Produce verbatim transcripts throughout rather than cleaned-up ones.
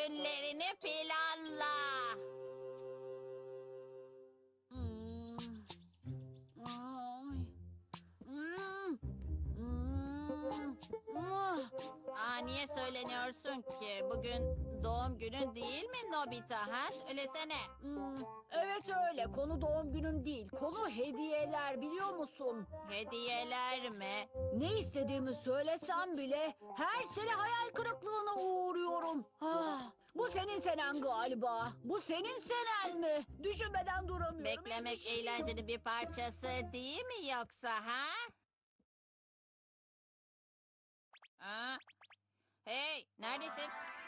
günlerini planla. Hmm. Ay. Hmm. Hmm. Ah. Aa, niye söyleniyorsun ki? Bugün doğum günün değil mi Nobita? Ha? Söylesene. Hmm. Evet öyle. Konu doğum günüm değil. Konu hediyeler biliyor musun? Hediyeler mi? Ne istediğimi söylesem bile her sene hayal kırıklığına uğruyorum. Ah, bu senin senen galiba. Bu senin senen mi? Düşünmeden duramıyorum. Beklemek Hiçbir şey yok. eğlencenin bir parçası değil mi yoksa ha? Aa, hey, neredesin?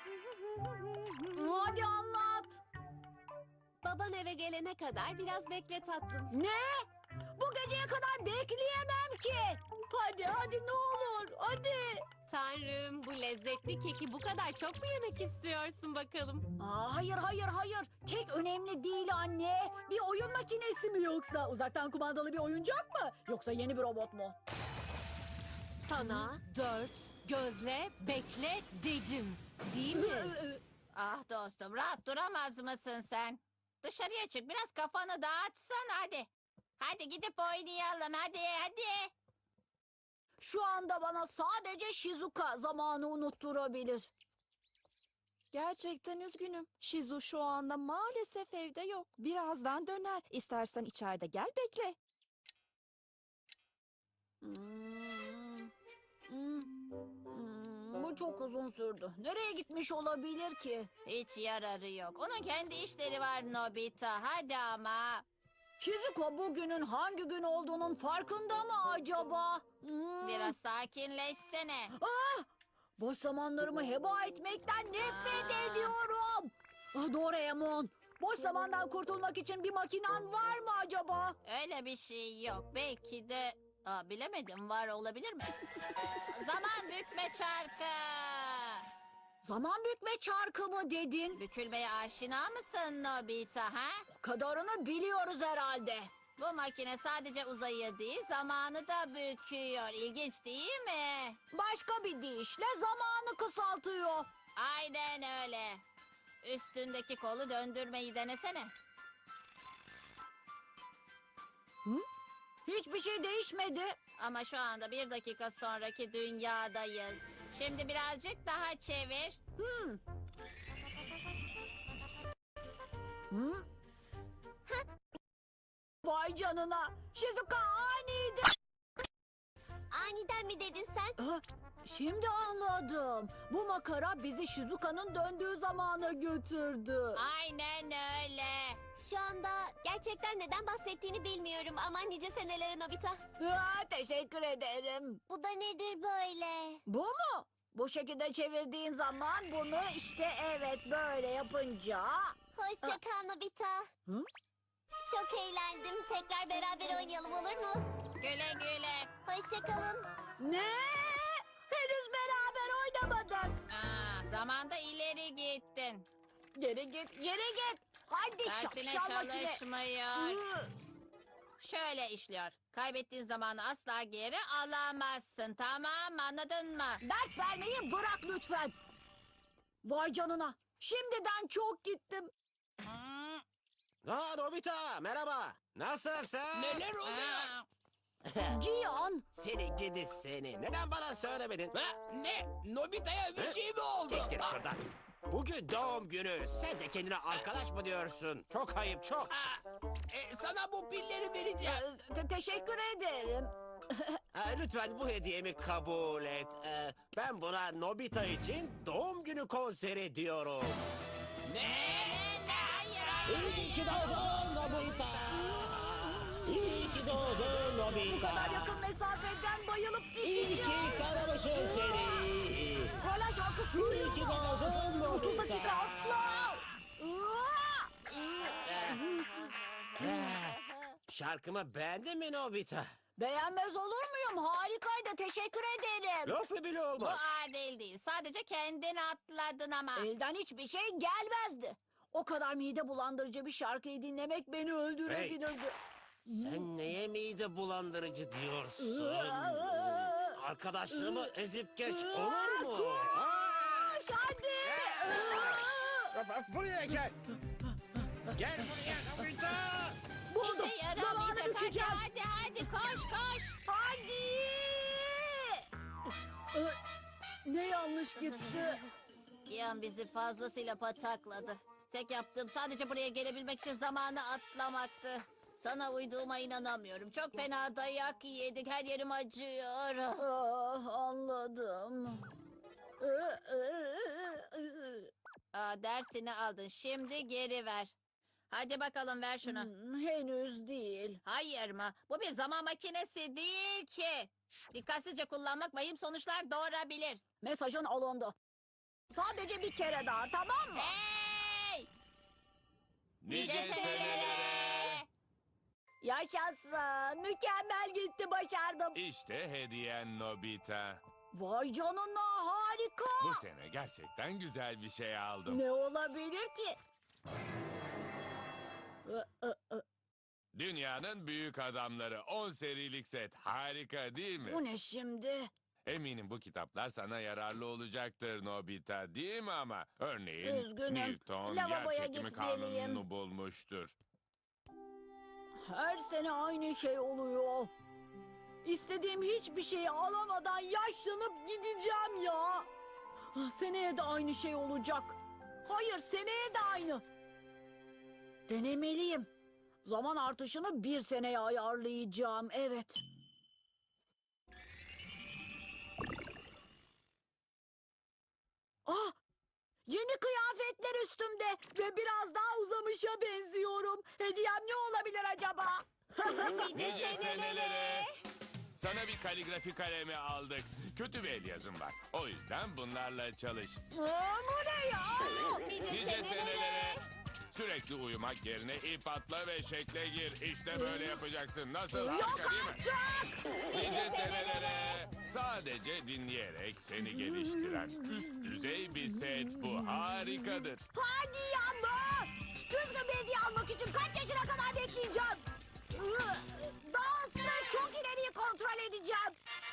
Hadi anlat. Baban eve gelene kadar biraz bekle tatlım. Ne? Bu geceye kadar bekleyemem ki. Hadi hadi ne olur hadi. Tanrım, bu lezzetli keki bu kadar çok mu yemek istiyorsun bakalım? Aa, hayır hayır hayır. Kek önemli değil anne. Bir oyun makinesi mi yoksa? Uzaktan kumandalı bir oyuncak mı? Yoksa yeni bir robot mu? Sana dört gözle bekle dedim. Değil mi? Ah dostum, rahat duramaz mısın sen? Dışarıya çık, biraz kafanı dağıtsana hadi. Hadi gidip oynayalım, hadi hadi. Şu anda bana sadece Shizuka zamanı unutturabilir. Gerçekten üzgünüm. Shizu şu anda maalesef evde yok. Birazdan döner. İstersen içeride gel bekle. Hmm, hmm, hmm, bu çok uzun sürdü. Nereye gitmiş olabilir ki? Hiç yararı yok. Onun kendi işleri var Nobita, hadi ama. Shizuka bugünün hangi gün olduğunun farkında mı acaba? Hmm. Biraz sakinleşsene. Ah! Boş zamanlarımı heba etmekten nefret Aa. ediyorum. Ah, Doraemon, boş zamandan kurtulmak için bir makinen var mı acaba? Öyle bir şey yok. Belki de... Aa, bilemedim, var olabilir mi? Zaman bükme çarkı. Zaman bükme çarkı mı dedin? Bükülmeye aşina mısın Nobita ha? O kadarını biliyoruz herhalde. Bu makine sadece uzayı değil, zamanı da büküyor. İlginç değil mi? Başka bir deyişle zamanı kısaltıyor. Aynen öyle. Üstündeki kolu döndürmeyi denesene. Hiçbir şey değişmedi. Ama şu anda bir dakika sonraki dünyadayız. Şimdi birazcık daha çevir. Hmm. Hmm. Vay canına. Shizuka aniden. Aniden mi dedin sen? Ah, Şimdi anladım. Bu makara bizi Shizuka'nın döndüğü zamana götürdü. Aynen öyle. Şu anda gerçekten neden bahsettiğini bilmiyorum ama nice senelere Nobita. Ah, teşekkür ederim. Bu da nedir böyle? Bu mu? Bu şekilde çevirdiğin zaman bunu işte evet böyle yapınca... Hoşça kal Nobita. Hı? Çok eğlendim. Tekrar beraber oynayalım olur mu? Güle güle. Hoşça kalın. Ne? Henüz beraber oynamadık. Aa, zamanda ileri gittin. Geri git, geri git. Hadi Dersine şapşal makine. çalışmıyor. Hı. Şöyle işliyor. Kaybettiğin zamanı asla geri alamazsın. Tamam mı? Anladın mı? Ders vermeyi bırak lütfen. Vay canına. Şimdiden çok gittim. Hmm. Aa Nobita merhaba. Nasılsın? Neler oluyor? Aa, Cihan. Seni gidi seni. Neden bana söylemedin? Ha, ne? Nobita'ya bir şey mi oldu? Çek git şuradan. Bugün doğum günü. Sen de kendine arkadaş mı diyorsun? Çok ayıp çok. Aa, e, sana bu pilleri vereceğim. Ee, te- teşekkür ederim. Aa, lütfen bu hediyemi kabul et. Ee, ben buna Nobita için doğum günü konseri diyorum. Ne? ne, ne, hayır, hayır. İyi ki doğdun Nobita. İyi ki doğdun Bu Nobita. kadar yakın mesafeden bayılıp İyi gideceğim. ki karamışım seni. Hala şarkı İyi söylüyor ki mu? doğdun otuz Nobita. dakika atla. Aa! Eh, Şarkımı beğendin mi Nobita? Beğenmez olur muyum? Harikaydı. Teşekkür ederim. Lafı bile Bu olmaz. adil değil. Sadece kendin atladın ama. Elden hiçbir şey gelmezdi. O kadar mide bulandırıcı bir şarkıyı dinlemek beni öldürebilirdi. Sen neye mide bulandırıcı diyorsun? Arkadaşlığımı ezip geç olur mu? Ha? Hadi. Buraya gel. Gel buraya Nobita. Buldum. İşe Zamanı yaramayacak. Hadi bükeceğim. hadi hadi koş koş. Hadi. Ee, Ne yanlış gitti? Yan bizi fazlasıyla patakladı. Tek yaptığım sadece buraya gelebilmek için zamanı atlamaktı. Sana uyduğuma inanamıyorum. Çok fena dayak yedik. Her yerim acıyor. Ah, anladım. Aa, dersini aldın. Şimdi geri ver. Hadi bakalım ver şunu. Hmm, henüz değil. Hayır mı? Bu bir zaman makinesi değil ki. Dikkatsizce kullanmak vahim sonuçlar doğurabilir. Mesajın alındı. Sadece bir kere daha, tamam mı? Hey! Nice senelere! Yaşasın. Mükemmel gitti, başardım. İşte hediyen Nobita. Vay canına, harika. Bu sene gerçekten güzel bir şey aldım. Ne olabilir ki? Ö, ö, ö. Dünyanın büyük adamları on serilik set. Harika değil mi? Bu ne şimdi? Eminim bu kitaplar sana yararlı olacaktır Nobita, değil mi ama? Örneğin Üzgünüm. Newton Lavaboya yer çekimi gitmeliyim. kanununu bulmuştur. Her sene aynı şey oluyor. İstediğim hiçbir şeyi alamadan yaşlanıp gideceğim ya. Ah, seneye de aynı şey olacak. Hayır, seneye de aynı. Denemeliyim. Zaman artışını bir seneye ayarlayacağım, evet. Ah! Yeni kıyafetler üstümde ve biraz daha uzamışa benziyorum. Hediyem ne olabilir acaba? Nice senelere. Sana bir kaligrafi kalemi aldık. Kötü bir el yazım var. O yüzden bunlarla çalış. Aa, bu ne ya? Nice senelere. Sürekli uyumak yerine ip atla ve şekle gir. İşte böyle yapacaksın. Nasıl? Yok Harika değil mi? artık! Nice senelere. Sadece dinleyerek seni geliştiren üst düzey bir set bu. Harikadır. Hadi yanma! Düzgün bir hediye almak için kaç yaşına kadar bekleyeceğim? Dansı çok ileriyi kontrol edeceğim.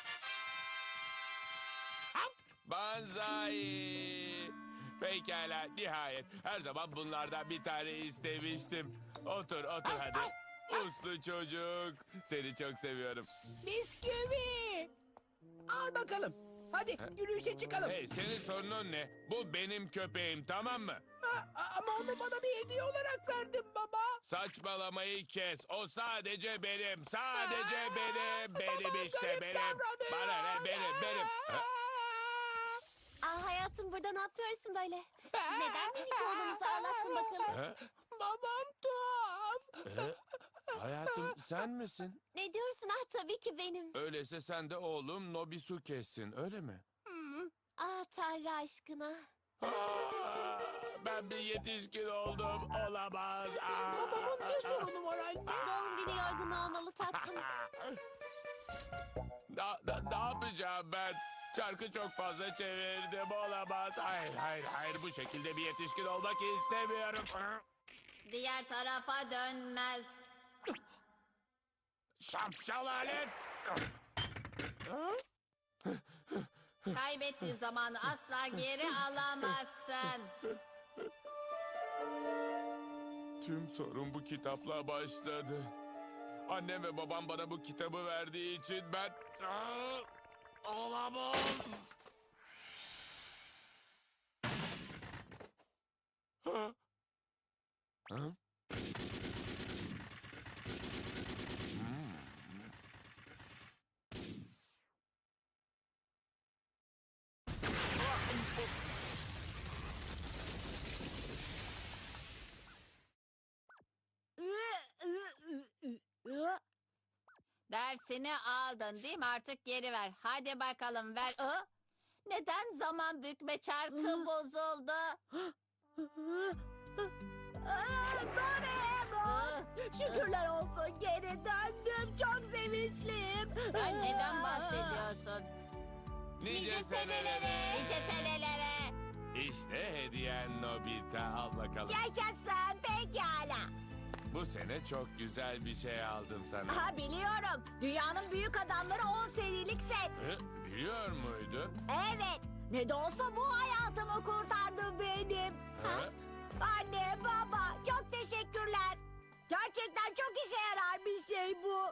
Banzai. Pekala, nihayet. Her zaman bunlardan bir tane istemiştim. Otur, otur hadi. Uslu çocuk. Seni çok seviyorum. Bisküvi. Al bakalım. Hadi yürüyüşe çıkalım. Hey, senin sorunun ne? Bu benim köpeğim, tamam mı? Ha, ama onu bana bir hediye olarak verdin baba. Saçmalamayı kes. O sadece benim. Sadece Aa, benim. Benim babam işte garip benim. davranıyor. Bana ne? Benim, benim. Ha? Aa, hayatım burada ne yapıyorsun böyle? Neden minik oğlumuzu ağlattın bakalım? Ha? Babam tuhaf. Ee, hayatım sen misin? Ne diyorsun? Ah tabii ki benim. Öyleyse sen de oğlum Nobisuke'sin, öyle mi? Ah Tanrı aşkına. Aa, ben bir yetişkin oldum. Olamaz. Aa. Babamın ne sorunu var anne? Doğum günü yorgunu olmalı tatlım. Da, da, ne yapacağım ben? Çarkı çok fazla çevirdim. Olamaz. Hayır, hayır, hayır. Bu şekilde bir yetişkin olmak istemiyorum. Diğer tarafa dönmez. Şapşal alet. Kaybettiğin zamanı asla geri alamazsın. Tüm sorun bu kitapla başladı. Annem ve babam bana bu kitabı verdiği için ben... Aa, olamaz. Ha? Ha? Hmm. Dersini aldın değil mi? Artık geri ver. Hadi bakalım ver. Aa, neden zaman bükme çarkı bozuldu? Aa, Doraemon! Şükürler olsun, geri döndüm. Çok sevinçliyim. Sen neden bahsediyorsun? Nice senelere. Nice senelere. İşte hediyen Nobita. Al bakalım. Yaşasın, pekala. Bu sene çok güzel bir şey aldım sana. Ha, biliyorum. Dünyanın büyük adamları on serilik set. Hı? Biliyor muydun? Evet. Ne de olsa bu hayatımı kurtardı benim. Hı? Anne, baba, çok teşekkürler. Gerçekten çok işe yarar bir şey bu.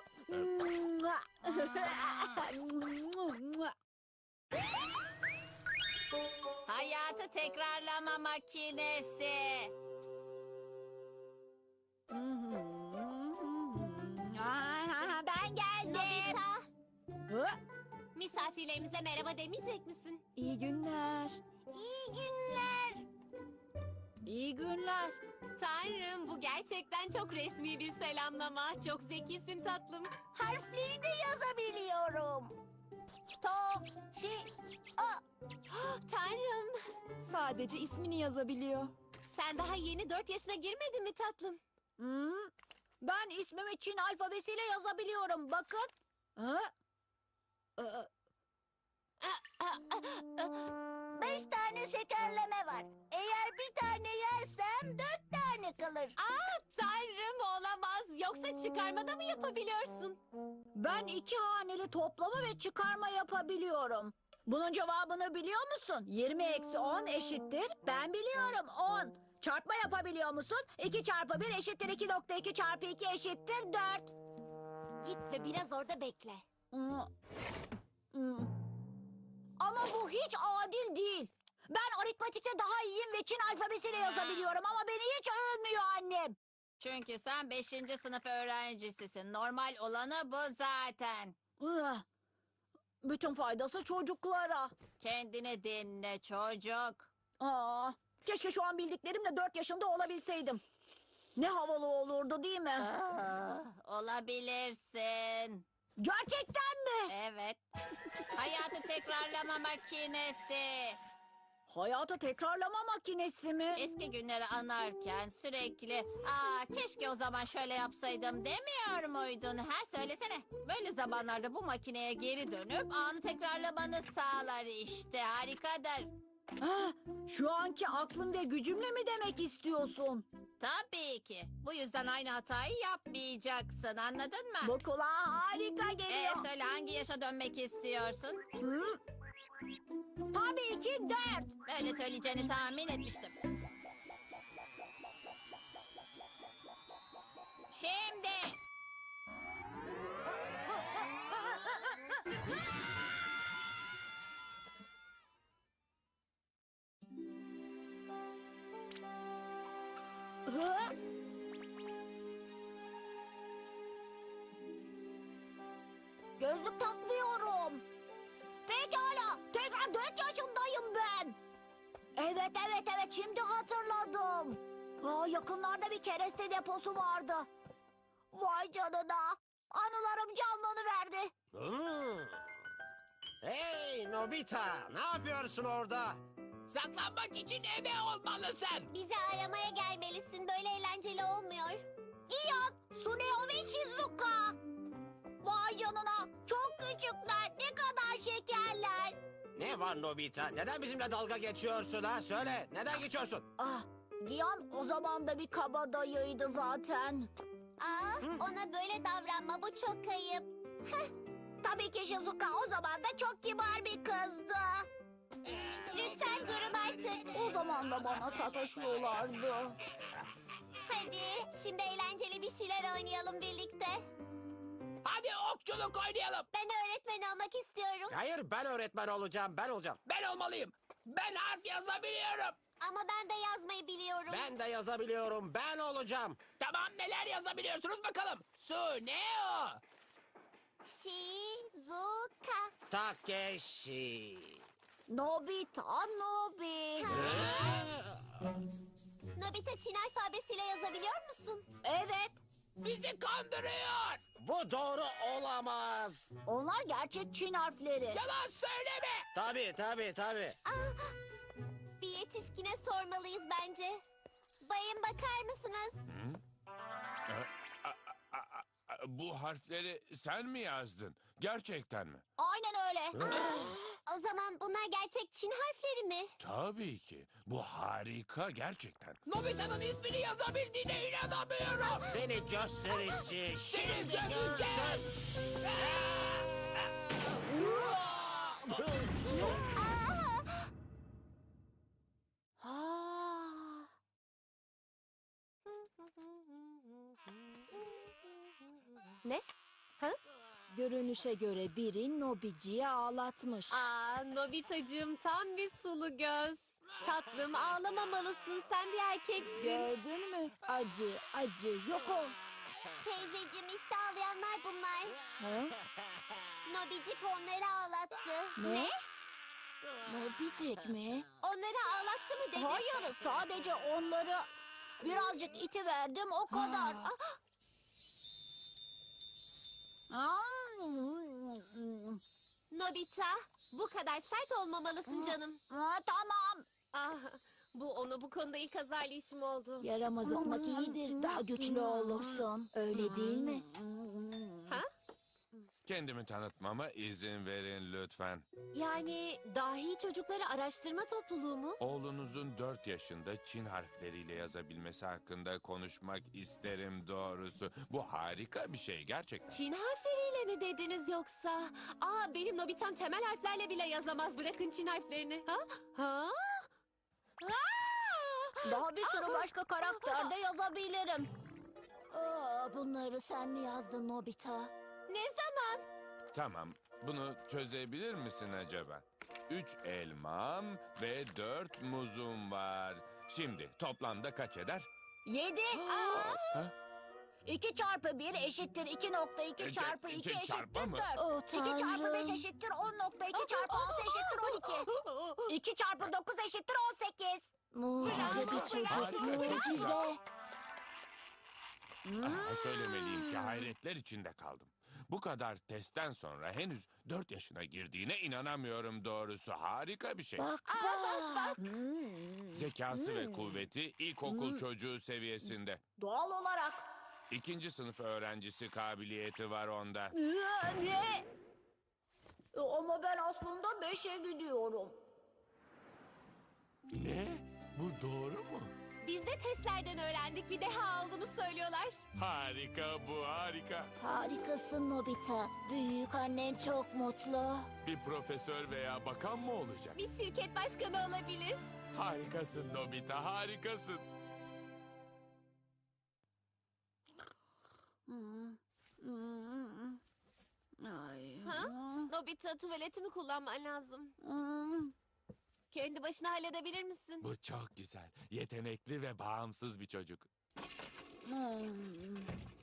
Hayatı tekrarlama makinesi. Ben geldim. Nobita, misafirlerimize merhaba demeyecek misin? İyi günler. İyi günler. İyi günler. Tanrım, bu gerçekten çok resmi bir selamlama. Çok zekisin tatlım. Harfleri de yazabiliyorum. To, şi, a. Tanrım, Sadece ismini yazabiliyor. sen daha yeni dört yaşına girmedin mi tatlım? Hmm, Ben ismimi Çin alfabesiyle yazabiliyorum. Bakın. Ha? Ee, Beş tane şekerleme var. Eğer bir tane yersem dört tane kalır. Aa, tanrım olamaz. Yoksa çıkarmada mı yapabiliyorsun? Ben iki haneli toplama ve çıkarma yapabiliyorum. Bunun cevabını biliyor musun? yirmi eksi on eşittir. Ben biliyorum on. Çarpma yapabiliyor musun? iki çarpı bir eşittir iki nokta iki çarpı iki eşittir dört. Git ve biraz orada bekle. Hmm. Hmm. Ama bu hiç adil değil. Ben aritmetikte daha iyiyim ve Çin alfabesiyle yazabiliyorum ama beni hiç övmüyor annem. Çünkü sen beşinci sınıf öğrencisisin. Normal olanı bu zaten. Ugh. Bütün faydası çocuklara. Kendini dinle çocuk. Aa, keşke şu an bildiklerimle dört yaşında olabilseydim. Ne havalı olurdu değil mi? Ah, olabilirsin. Gerçekten mi? Evet. Hayatı tekrarlama makinesi. Hayatı tekrarlama makinesi mi? Eski günleri anarken sürekli aa keşke o zaman şöyle yapsaydım demiyor muydun? Ha söylesene. Böyle zamanlarda bu makineye geri dönüp anı tekrarlamanı sağlar işte. Harikadır. Ha, şu anki aklım ve gücümle mi demek istiyorsun? Tabii ki. Bu yüzden aynı hatayı yapmayacaksın. Anladın mı? Bu kulağa harika Ee, geliyor. söyle hangi yaşa dönmek istiyorsun? Hı? Tabii ki dört. Böyle söyleyeceğini tahmin etmiştim. Şimdi. Hı? Gözlük takmıyorum. Pekala. Tekrar dört yaşındayım ben. Evet evet evet şimdi hatırladım. Aa, yakınlarda bir kereste deposu vardı. Vay canına. Anılarım canlanıverdi. Hmm. Hey Nobita, ne yapıyorsun orada? Saklanmak için ebe olmalısın. Bizi aramaya gelmelisin. Böyle eğlenceli olmuyor. Giyan, Suneo ve Shizuka. Vay canına. Çok küçükler. Ne kadar şekerler. Ne var Nobita? Neden bizimle dalga geçiyorsun ha? Söyle, neden geçiyorsun? Ah, Giyan o zaman da bir kabadayıydı zaten. Aa, ona böyle davranma. Bu çok ayıp. Tabii ki Shizuka o zaman da çok kibar bir kızdı. Lütfen durun artık. O zaman da bana sataşıyorlardı. Hadi şimdi eğlenceli bir şeyler oynayalım birlikte. Hadi okçuluk oynayalım. Ben öğretmen olmak istiyorum. Hayır, ben öğretmen olacağım, ben olacağım. Ben olmalıyım. Ben harf yazabiliyorum. Ama ben de yazmayı biliyorum. Ben de yazabiliyorum, ben olacağım. Tamam, neler yazabiliyorsunuz bakalım. Su ne o? Shizuka. Takeshi. Nobita, Nobi. Nobita Çin alfabesiyle yazabiliyor musun? Evet, Bizi kandırıyor. Bu doğru olamaz. onlar gerçek Çin harfleri. Yalan söyleme. Tabii, tabii, tabii. Aa, bir yetişkine sormalıyız bence. Bayım bakar mısınız? Bu harfleri sen mi yazdın? Gerçekten mi? Aynen öyle. O zaman bunlar gerçek Çin harfleri mi? Tabii ki. Bu harika gerçekten. Nobita'nın ismini yazabildiğine inanamıyorum. Seni gösterişçi. Seni Şimdi döveceğim. görsen. Aa, Ne? Ha? Görünüşe göre biri Nobici'yi ağlatmış. Aa, Nobitacığım tam bir sulu göz. Tatlım ağlamamalısın, sen bir erkeksin. Gördün mü? Acı, acı, yok ol. Teyzeciğim işte ağlayanlar bunlar. Ha? Nobicik onları ağlattı. Ne? Nobicik mi? Onları ağlattı mı dedi? Hayır, sadece onları birazcık iti verdim o kadar. Nobita, bu kadar sert olmamalısın canım. Aa, tamam. Ah, bu onu bu konuda ilk azarlayışım oldu. Yaramaz olmak iyidir. Daha güçlü olursun. Öyle değil mi? Ha? Kendimi tanıtmama izin verin lütfen. Yani dahi çocukları araştırma topluluğu mu? Oğlunuzun dört yaşında Çin harfleriyle yazabilmesi hakkında konuşmak isterim doğrusu. Bu harika bir şey gerçekten. Çin harfleriyle mi dediniz yoksa? Aa, benim Nobitam temel harflerle bile yazamaz. Bırakın Çin harflerini. Ha? Ha? Aa! Daha bir sürü başka karakter de yazabilirim. Aa, bunları sen mi yazdın Nobita? Ne zaman? Tamam, bunu çözebilir misin acaba? Üç elmam ve dört muzum var. Şimdi toplamda kaç eder? Yedi. Ha? İki çarpı bir eşittir iki nokta iki E, çarpı ce- iki ce- eşittir çarpı mı? dört. Oh İki çarpı beş tanrım. eşittir on nokta iki çarpı altı eşittir on iki. İki çarpı dokuz eşittir on sekiz. Mucize bir çocuk, Harika, çok mucize. güzel. Ah, söylemeliyim ki hayretler içinde kaldım. Bu kadar testten sonra henüz dört yaşına girdiğine inanamıyorum doğrusu. Harika bir şey. Bak bak. Zekası ve kuvveti ilkokul çocuğu seviyesinde. Doğal olarak. İkinci sınıf öğrencisi kabiliyeti var onda. Ee, Ne? E, Ama ben aslında beşe gidiyorum. Ne? Bu doğru mu? Biz de testlerden öğrendik. Bir deha olduğunu söylüyorlar. Harika bu, harika. Harikasın Nobita. Büyük annen çok mutlu. Bir profesör veya bakan mı olacak? Bir şirket başkanı olabilir. Harikasın Nobita, harikasın. Ay. Ha? Nobita, tuvaletimi kullanman lazım. Hmm. Kendi başına halledebilir misin? Bu çok güzel, yetenekli ve bağımsız bir çocuk. Hmm.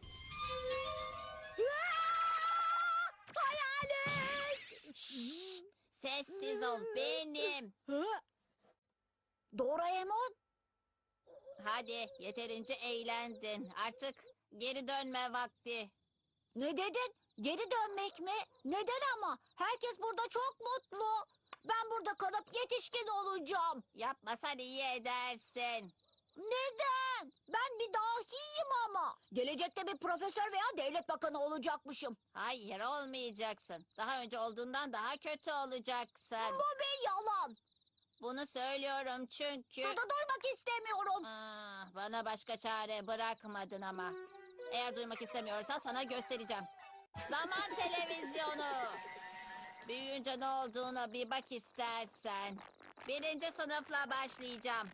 Sessiz ol benim. Hı? Doraemon? Hadi yeterince eğlendin. Artık geri dönme vakti. Ne dedin? Geri dönmek mi? Neden ama? Herkes burada çok mutlu. Ben burada kalıp yetişkin olacağım. Yapmasan iyi edersin. Neden? Ben bir dahiyim ama. Gelecekte bir profesör veya devlet bakanı olacakmışım. Hayır olmayacaksın. Daha önce olduğundan daha kötü olacaksın. Bu bir yalan. Bunu söylüyorum çünkü... Bunu duymak istemiyorum. Aa, bana başka çare bırakmadın ama. Eğer duymak istemiyorsan sana göstereceğim. Zaman televizyonu. Büyüyünce ne olduğuna bir bak istersen. Birinci sınıfla başlayacağım.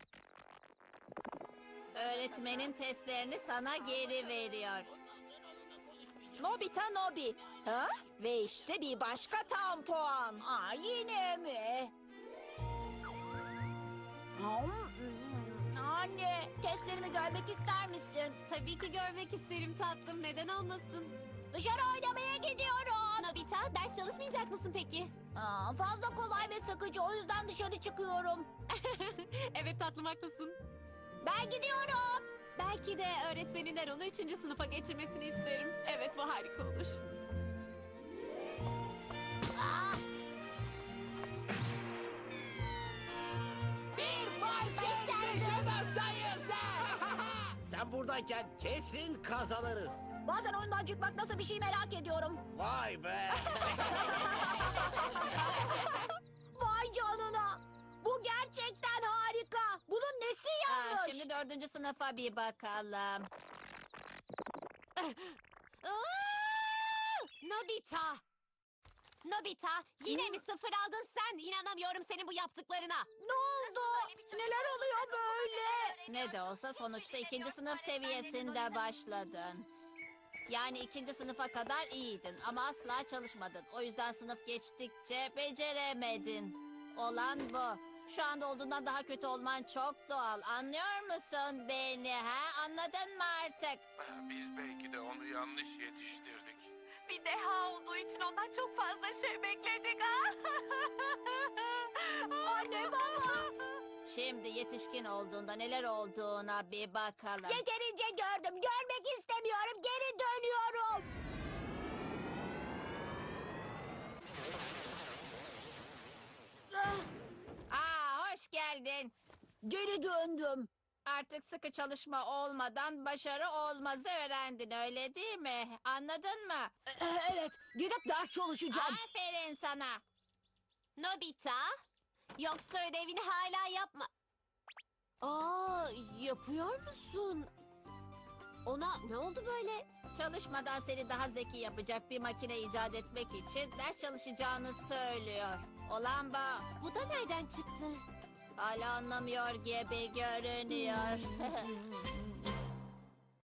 Öğretmenin testlerini sana geri veriyor. Nobita Nobi. Ha? Ve işte bir başka tam puan. Aa, yine mi? Hmm, Anne, testlerimi görmek ister misin? Tabii ki görmek isterim tatlım. Neden olmasın? Dışarı oynamaya gidiyorum. Nobita, ders çalışmayacak mısın peki? Aa, fazla kolay ve sıkıcı, o yüzden dışarı çıkıyorum. Evet tatlım, haklısın. Ben gidiyorum. Belki de öğretmeninden onu üçüncü sınıfa geçirmesini isterim. Evet, bu harika olur. Aa, Bir fark yaşına sayısı. Sen buradayken kesin kazanırız. bazen oyundan çıkmak nasıl bir şey merak ediyorum. Vay be. Vay canına. Bu gerçekten harika. Bunun nesi Aa, yanlış? şimdi dördüncü sınıfa bir bakalım. Aa! Nobita! Nobita, yine mi sıfır aldın sen? İnanamıyorum senin bu yaptıklarına. Ne oldu? Neler oluyor böyle? Ne de olsa sonuçta ikinci sınıf seviyesinde başladın. Yani ikinci sınıfa kadar iyiydin ama asla çalışmadın. O yüzden sınıf geçtikçe beceremedin. Olan bu. Şu anda olduğundan daha kötü olman çok doğal. Anlıyor musun beni ha? Anladın mı artık? Biz belki de onu yanlış yetiştirdik. Bir deha olduğu için ondan çok fazla şey bekledik. Anne baba. Şimdi yetişkin olduğunda neler olduğuna bir bakalım. Yeterince gördüm. Görmek istemiyorum. Geri dönüyorum. Ah, Aa, hoş geldin. Geri döndüm. Artık sıkı çalışma olmadan başarı olmazı öğrendin öyle değil mi? Anladın mı? E, Evet, gidip ders çalışacağım. Aferin sana. Nobita, yoksa ödevini hala yapma. Aa, yapıyor musun? Ona ne oldu böyle? Çalışmadan seni daha zeki yapacak bir makine icat etmek için ders çalışacağını söylüyor. Olan bu. Bu da nereden çıktı? Hala anlamıyor gibi görünüyor.